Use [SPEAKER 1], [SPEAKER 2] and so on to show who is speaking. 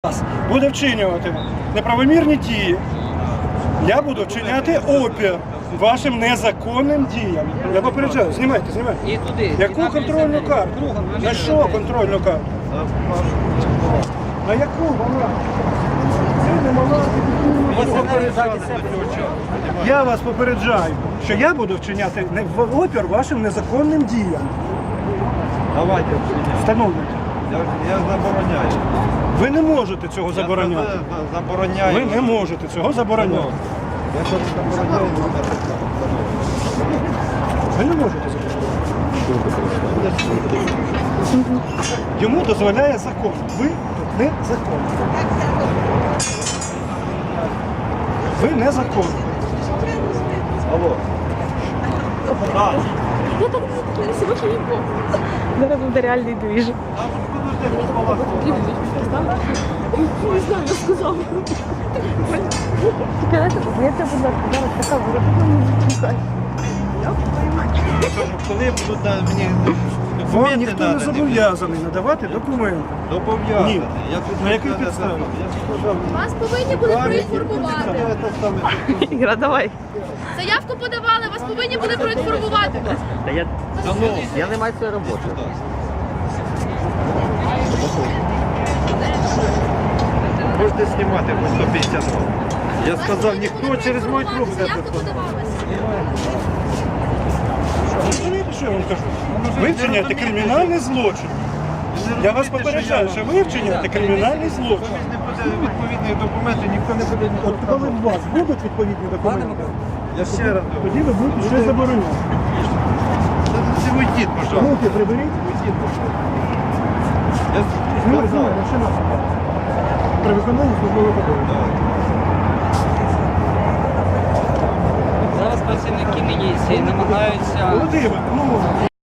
[SPEAKER 1] буде вчинювати неправомірні дії, я буду вчиняти опір вашим незаконним діям. Я попереджаю, знімайте.
[SPEAKER 2] І туди.
[SPEAKER 1] Яку контрольну карту? На що контрольну карту? На яку вона? Це не мала. Я вас попереджаю, що я буду вчиняти опір вашим незаконним діям.
[SPEAKER 3] Давайте вчиняйте.
[SPEAKER 1] Встановлюйте.
[SPEAKER 3] Я забороняю.
[SPEAKER 1] Ви не можете цього забороняти.
[SPEAKER 3] Я забороняю.
[SPEAKER 1] Ви не можете цього забороняти.
[SPEAKER 3] Я щось забороняю.
[SPEAKER 1] Ви не можете забороняти. Йому дозволяє закон. Ви тут не закон. Ви не закон.
[SPEAKER 3] Алло.
[SPEAKER 4] Я так сегодня не помню. Зараз буде реальний двіж. Не знаю, я сказала. Я тебе, будь ласка, зараз така виробила.
[SPEAKER 3] Коли будуть мені
[SPEAKER 1] Вам
[SPEAKER 3] документи
[SPEAKER 1] ніхто не
[SPEAKER 3] надані?
[SPEAKER 1] зобов'язаний надавати документи.
[SPEAKER 3] Зобов'язаний.
[SPEAKER 1] Ні.
[SPEAKER 3] Я тут
[SPEAKER 1] На яких
[SPEAKER 3] сказав,
[SPEAKER 1] підставах?
[SPEAKER 3] я сказав,
[SPEAKER 5] Вас повинні були проінформувати.
[SPEAKER 3] я те саме.
[SPEAKER 4] Іра, давай.
[SPEAKER 5] Заявку подавали, вас повинні були проінформувати.
[SPEAKER 6] Та я не маю своєї роботи.
[SPEAKER 3] Можете знімати по 150 років. Я сказав, ніхто через мою трубку не
[SPEAKER 5] Заявка подавалася.
[SPEAKER 1] Розумієте, що я вам кажу? Ви вчиняєте кримінальний злочин. Я вас попереджаю, що ви вчиняєте кримінальний злочин.
[SPEAKER 3] Не буде відповідних документів, ніхто не буде
[SPEAKER 1] От коли у вас будуть відповідні документи,
[SPEAKER 3] Я ще раз говорю.
[SPEAKER 1] тоді ви будете щось забороняти.
[SPEAKER 3] Це уйдіть, пожалуйста.
[SPEAKER 1] Руки приберіть.
[SPEAKER 3] Я
[SPEAKER 1] Знімай,
[SPEAKER 3] сказав.
[SPEAKER 1] машина. При виконанні службового обов'язку.
[SPEAKER 2] Зараз працівники міліції намагаються
[SPEAKER 1] Володимир, ну,